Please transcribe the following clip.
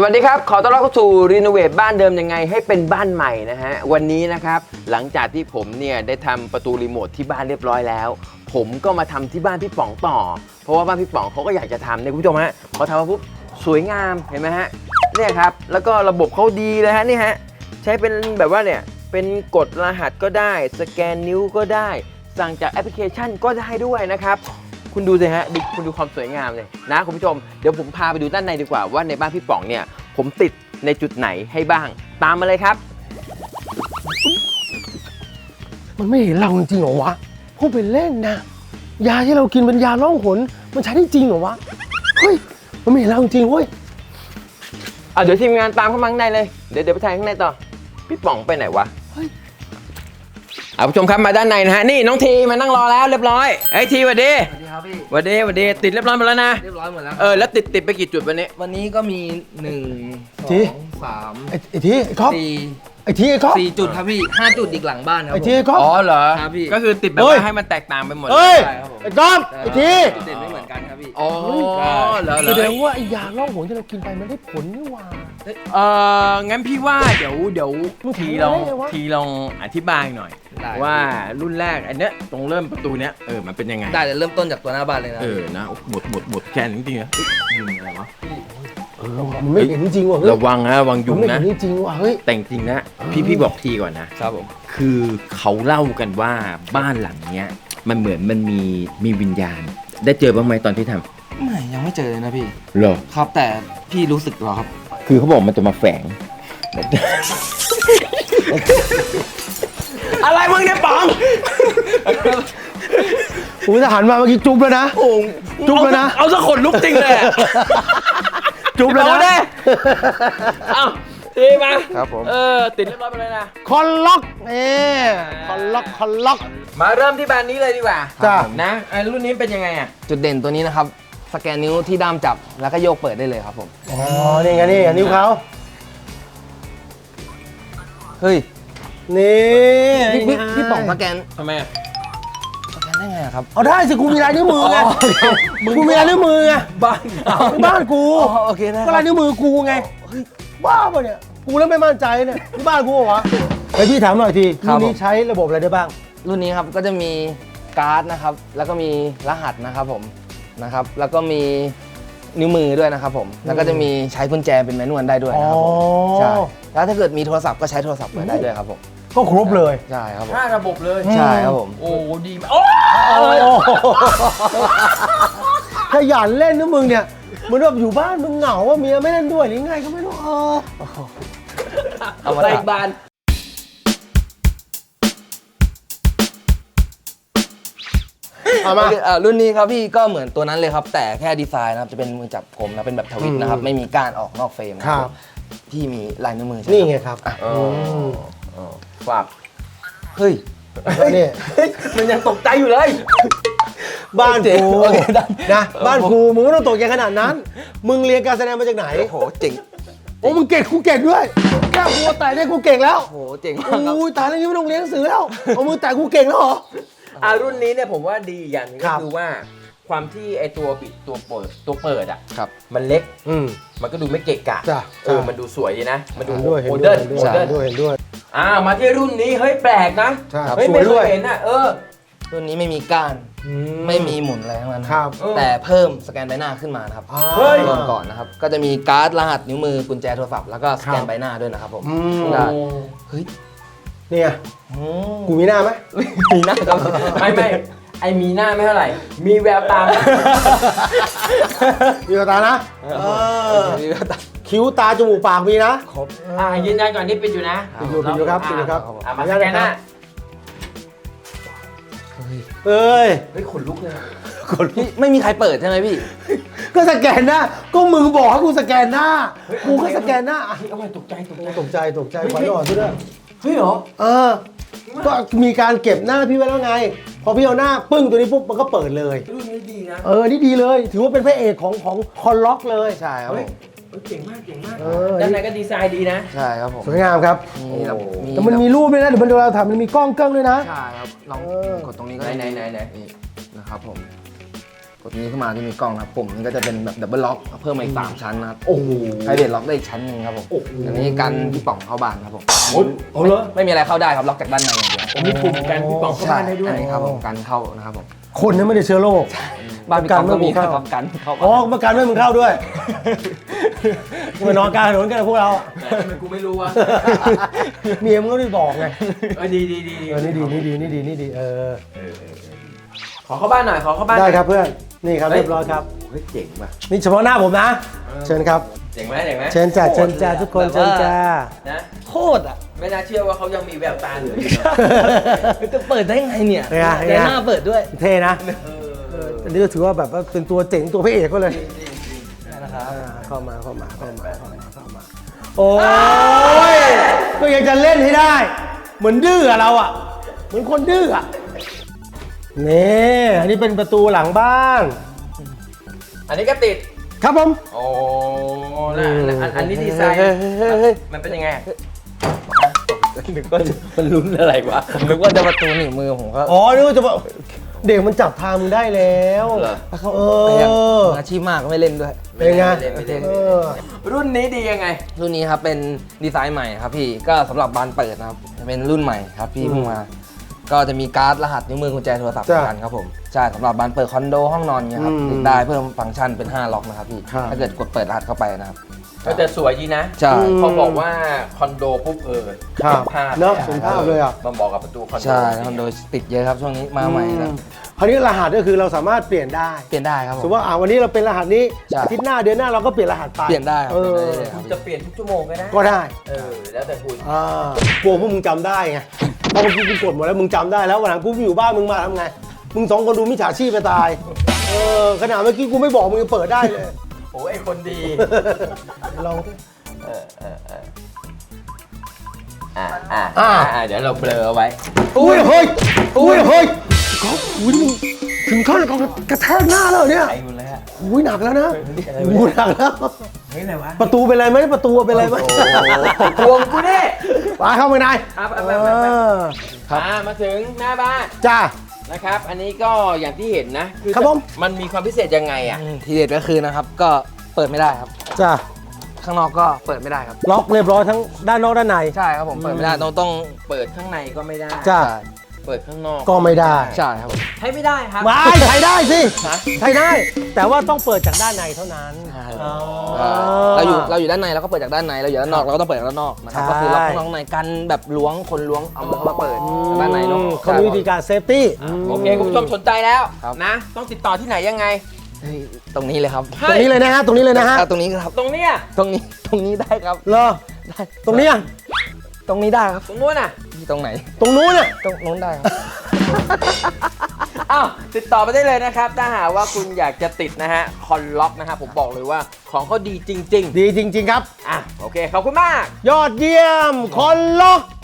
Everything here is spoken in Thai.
วัสดีครับขอต้อนรับเข้าสู่รีโนเวทบ้านเดิมยังไงให้เป็นบ้านใหม่นะฮะวันนี้นะครับหลังจากที่ผมเนี่ยได้ทำประตูรีโมทที่บ้านเรียบร้อยแล้วผมก็มาทำที่บ้านพี่ป๋องต่อเพราะว่าบ้านพี่ป๋องเขาก็อยากจะทำเนี่ยคุณผู้ชมฮะพอทำมาปุ๊บสวยงามเห็นไหมฮะเนี่ยครับแล้วก็ระบบเขาดีเลยฮะนี่ฮะใช้เป็นแบบว่าเนี่ยเป็นกดรหัสก็ได้สแกนนิ้วก็ได้สั่งจากแอปพลิเคชันก็ได้ด้วยนะครับคุณดูสิฮะคุณดูความสวยงามเลยนะคุณผู้ชมเดี๋ยวผมพาไปดูด้านในดีกว่าว่าในบ้านพี่ป๋องเนี่ยผมติดในจุดไหนให้บ้างตามมาเลยครับมันไม่เห็นเราจริงเหรอวะพูดเป็นเล่นนะยาที่เรากินเป็นยาล่องหนมันใช้ได้จริงเหรอวะเฮ้ยมันไม่เห็นเราจริงเว้ยเดี๋ยวทีมงานตามเข้ามาข้างในเลยเดี๋ยวไปถ่ายข้างในต่อพี่ป๋องไปไหนวะผู้ชมครับมาด้านในนะฮะนี่น้องทีมานั่งรอแล้วเรียบร้อยไอ้ทีสวัสดีสวัสดีครับพี่สวัสดีติดเรียบร้อยหมดแล้วนะเรียบร้อยหมดแล้วแล้วติดไปกี่จุดวันนี้ก็มี1 2 3 ไอ้ทีไอ้ก๊อฟ 4 ไอ้ทีไอ้ก๊อฟ 4 จุดครับพี่5 จุดอีกหลังบ้านครับไอ้ทีไอ้ก๊อฟอ๋อเหรอครับพี่ก็คือติดแบบว่าให้มันแตกต่างไปหมดเฮ้ยใช่ครับผมไอ้ก๊อฟไอ้ทีจุดเด่นไม่เหมือนกันครับพี่อ๋อเหรอแสดงว่าไอ้ยาล่องหนที่เรากินไปมันได้ผลนี่หว่างั้นพี่ว่าเดี๋ยวทีลองอธิบายหน่อยว่ารุ่นแรกอันเนี้ยตรงเริ่มประตูเนี้ยมันเป็นยังไงได้เริ่มต้นจากตัวหน้าบ้านเลยนะนะหมดแค่นี้จริงๆนะยิงอะไรวะมันไม่เห็นจริงว่ะระวังนะระวังยุงนะไม่เห็นจริงว่ะเฮ้ยแต่จริงนะพี่บอกทีก่อนนะครับผมคือเขาเล่ากันว่าบ้านหลังเนี้ยมันเหมือนมันมีวิญญาณได้เจอบ้างไหมตอนที่ทำไม่ยังไม่เจอเลยนะพี่เหรอครับแต่พี่รู้สึกหรอครับคือเขาบอกมันจะมาแฝงอะไรมึงเนี่ยป๋องผมจะหันมาเมื่อกี้จุ๊บแล้วนะจุ๊บแล้วนะเอาสักขนลุกจริงเลยจุ๊บแล้วนะเอาทีมาครับผมติดเรียบร้อยไปเลยนะคอนล็อกคอนล็อกมาเริ่มที่แบรนด์นี้เลยดีกว่าจ้านะรุ่นนี้เป็นยังไงอ่ะจุดเด่นตัวนี้นะครับสแกนนิ้วที่ด้ามจับแล้วก็โยกเปิดได้เลยครับผมอ๋อนี่ไงนี่นิ้วเขาเฮ้ยนี่พี่ป๋องสแกนทำไมสแกนได้ไงครับเอาได้สิกูมีลายนิ้วมือไงกูมีลายนิ้วมือไงบ้านกูโอเคนะก็ลายนิ้วมือกูไงบ้าป่ะเนี่ยกูเริ่มไม่มั่นใจเนี่ยที่บ้านกูเหรอไอพี่ถามหน่อยทีรุ่นนี้ใช้ระบบอะไรได้บ้างรุ่นนี้ครับก็จะมีการ์ดนะครับแล้วก็มีรหัสนะครับผมนะครับแล้วก็มีนิ้วมือด้วยนะครับผมแล้วก็จะมีใช้กุญแจเป็นแมนนวลได้ด้วยนะครับผมใช่แล้วถ้าเกิดมีโทรศัพท์ก็ใช้โทรศัพท์เปิดได้ด้วยครับผมก็ครบเลยใช่ครับผม 5 ระบบเลยใช่ครับผมโอ้ดีมากโอ้ขยันเล่นนะมึงเนี่ยเหมือนแบบอยู่บ้านมึงเหงาว่าเมียไม่เล่นด้วยหรือไงก็ไม่รู้เอามาอีกบานเอามารุ่นนี้ครับพี่ก็เหมือนตัวนั้นเลยครับแต่แค่ดีไซน์นะครับจะเป็นมือจับกลมนะเป็นแบบทวิตนะครับไม่มีก้านออกนอกเฟรมครับที่มีลายนิ้วมือนี่ไงครับฝากเฮ้ยนี่มันยังตกใจอยู่เลยบ้านกูนะบ้านกูมึงไม่ต้องตกใจขนาดนั้นมึงเรียนการแสดงมาจากไหนโอ้โหเจ๋งโอ้มึงเก่งกูเก่งด้วยแค่กูแต่เนี่ยกูเก่งแล้วโอ้โหเจ๋งมากครับโอ้ยตายแล้วยังไม่ต้องเรียนหนังสือแล้วเอามือแต่กูเก่งแล้วเหรอรุ่นนี้เนี่ยผมว่าดีอย่างนึงก็คือว่าความที่ไอตัวปิดตัวเปิดอ่ะมันเล็กมันก็ดูไม่เกะกะมันดูสวยดีนะมันดูโมเดิร์นด้วยมาที่รุ่นนี้เฮ้ยแปลกนะเฮ้ยไม่เคยเห็นอ่ะรุ่นนี้ไม่มีก้านไม่มีหมุนอะไรทั้งนั้นแต่เพิ่มสแกนใบหน้าขึ้นมานะครับก่อนนะครับก็จะมีการ์ดรหัสนิ้วมือกุญแจโทรศัพท์แล้วก็สแกนใบหน้าด้วยนะครับผมได้เฮ้ยเนี่ยกูมีหน้าไหมมีหน้าครับไม่ไอมีหน้าไม่เท่าไหร่มีแววตามีแววตานะมีแววตาคิ้วตาจมูกปากมีนะครบยืนยันก่อนที่ปิดอยู่นะปิดอยู่ครับมาสแกนหน้าเฮ้ยขนลุกเลยพี่ไม่มีใครเปิดใช่ไหมพี่ก็สแกนหน้าก็มึงบอกให้กูสแกนหน้ากูก็สแกนหน้าตกใจขวัญอ่อนด้วยเฮ้ยเหรอก็มีการเก็บหน้าพี่ไว้แล้วไงพอพี่เอาหน้าปึ้งตัวนี้ปุ๊บมันก็เปิดเลยรุ่นนี้ดีนะนี่ดีเลยถือว่าเป็นพระเอกของคอนล็อกเลยใช่ครับเก่งมากด้านในก็ดีไซน์ดีนะใช่ครับผมสวยงามครับแต่มันมีรูปด้วยนะเดี๋ยวเราทำมันมีกล้องด้วยนะใช่ครับลองกดตรงนี้ก็ไหนนะครับผมกดนี้ขึ้นมาที่มีกล้องนะครับปุ่มนี้ก็จะเป็นแบบดับเบิลล็อกเพิ่มมาอีก3ชั้นนะครับโอ้โหไพรเวทล็อกได้อีกชั้นหนึ่งครับผมโอ้โหอันนี้กันพี่ป๋องเข้าบ้านครับผมเอาเหรอไม่มีอะไรเข้าได้ครับล็อกจากด้านในอย่างเดียวมีปุ่มกันพี่ป๋องเข้าบ้านได้ด้วยอันนี้ครับผมกันเข้านะครับผมคนนั้นไม่ได้เชื้อโรคบ้านพี่ป๋องก็มีกันคไม่รับกันเข้าอ๋อประกันไม่มึงเข้าด้วยมานอนกลางถนนกันนะพวกเราทำไมกูไม่รู้วะเมียมึงก็ได้บอกไงดีนี่ดีขอเข้าบ้านหน่อยขอเข้าบ้านหได้น่อยครับเพื่อนนี่ครับเรียบร้อยครับเฮ้ยเจ๋งว่ะนี่เฉพาะหน้าผมนะเชิญครับเจ๋งไหมเชิญจ้าเชิญจ้าทุกคนเชิญจ้านะโคตรอ่ะไม่น่าเชื่อว่าเขายังมีแววตาเหลืออยู่นะจะเปิดได้ไงเนี่ยเป็นไงแต่หน้าเปิดด้วยเท่นะเอออันนี้ก็ถือว่าแบบว่าเป็นตัวเจ๋งตัวพระเอกก็เลยนะครับเข้ามาโอ้ยก็ยังจะเล่นให้ได้ เหมือนดื้ออะเราอะเหมือนคนดื้ออะนี่อันนี้เป็นประตูหลังบ้านอันนี้ก็ติดครับผมโอ้แล้วอันนี้ดีไซน์เฮ้ยมันเป็นยังไงนึกว่ามันลุ้นอะไรวะผมนึกว่าจะประตูหนีบมือผมก็อ๋อนึกว่าจะบอกเด็กมันจับทางมึงได้แล้วเหรอเขาเอแต่ยังอมืออาชีพมากก็ไม่เล่นด้วยเป็นไงไม่เล่นเออรุ่นนี้ดียังไงรุ่นนี้ครับเป็นดีไซน์ใหม่ครับพี่ก็สำหรับบานเปิดนะครับเป็นรุ่นใหม่ครับพี่เพิ่งมา ก็จะมีการ์ดรหัสนิ้วมือกุญแจโทรศัพท์เหมือนกันครับผมใช่สำหรับบานเปิดคอนโดห้องนอนเนี่ยครับติดได้เพิ่มฟังก์ชันเป็น5ล็อกนะครับพี่ถ้าเกิดกดเปิดรหัสเข้าไปนะครับก็จะสวยดีนะใช่เขาบอกว่าคอนโดปุ๊บครับภาพเนอะเป็นภาพเลยอะมันบอกกับประตูคอนโดใช่คอนโดติดเยอะครับช่วงนี้มาใหม่แล้วคราวนี้รหัสก็คือเราสามารถเปลี่ยนได้เปลี่ยนได้ครับผสมมมติว่าวันนี้เราเป็นรหัสนี้ใช่อาทิตย์หน้าเดือนหน้าเราก็เปลี่ยนรหัสไปเปลี่ยนได้ครับเออเปลี่ยนได้เลยคคุรับณจะเปลี่ยนทุกชั่วโมงก็ได้ก็ได้แล้วแต่คุณกลัวพวกมึงจำได้ไงเพราะเมื่อกี้กูกดหมดแล้วมึงจำได้แล้ววันหลังกูอยู่บ้านมึงมาทำไงมึงสองคนดูมิจฉาชีพไปตายขนาดเมื่อกี้กูไม่บอกมึงยังเปิดได้เลยโอ้ไอคนดีลองสิเดี๋ยวเราเบลอเอาไว้อุ้ยเฮ้ยก๊อฟอุ้ยมึงถึงขั้นกระแทกหน้าแล้วเนี่ยไอ้คุณเลยฮะอุ้ยหนักแล้วนะอุ้ยหนักแล้วเฮ้ยอะไรวะประตูเป็นไรไหมประตูเป็นไรไหมทวงกูดิมาเข้าไปในครับครับมาถึงหน้าบ้านจ้านะครับ อันนี้ก็อย่างที่เห็นนะอครับผมมันมีความพิเศษยังไงอ่ะทีเด็ดก็คือนะครับก็เปิดไม่ได้ครับจ้าข้างนอกก็เปิดไม่ได้ครับล็อกเรียบร้อยทั้งด้านนอกด้านในใช่ครับผมเปิดไม่ได้ต้องเปิดข้างในก็ไม่ได้จ้าเปิดข้างนอกก็ไม่ได้ใช่ครับผมใช้ไม่ได้ครับไม่ใช้ได้สิฮะใช้ได้ แต่ว่าต้องเปิดจากด้านในเท่านั้นใช่อ๋อเราอยู่ด้านในเราก็เปิดจากด้านในเราอยู่ด้านนอกเราก็ต้องเปิดจากด้านนอกนะครับใช่ก็คือล็อกข้างนอกในกันแบบล้วงคนล้วงเอามาเปิดจากด้านในเนาะเขามีวิธีการเซฟตี้โอเคคุณผู้ชมสนใจแล้วครับนะ ต้องติดต่อที่ไหนยังไงเฮ้ยตรงนี้เลยครับตรงนี้เลยนะฮะตรงนี้เลยนะฮะตรงนี้ครับตรงเนี้ยตรงนี้ได้ครับเหรอได้ตรงนี้อ่ะตรงนี้ได้ครับตรงนู้นน่ะตรงไหนตรงนู้นอ่ะตรงนู้นได้ครับอ้าวติดต่อไปได้เลยนะครับ ถ้าหากว่าคุณอยากจะติดนะฮะคอนล็อกนะฮะผมบอกเลยว่าของเขาดีจริงดีจริง ๆ ครับๆ อ่ะโอเค ขอบคุณมากยอดเยี่ยมคนล็อก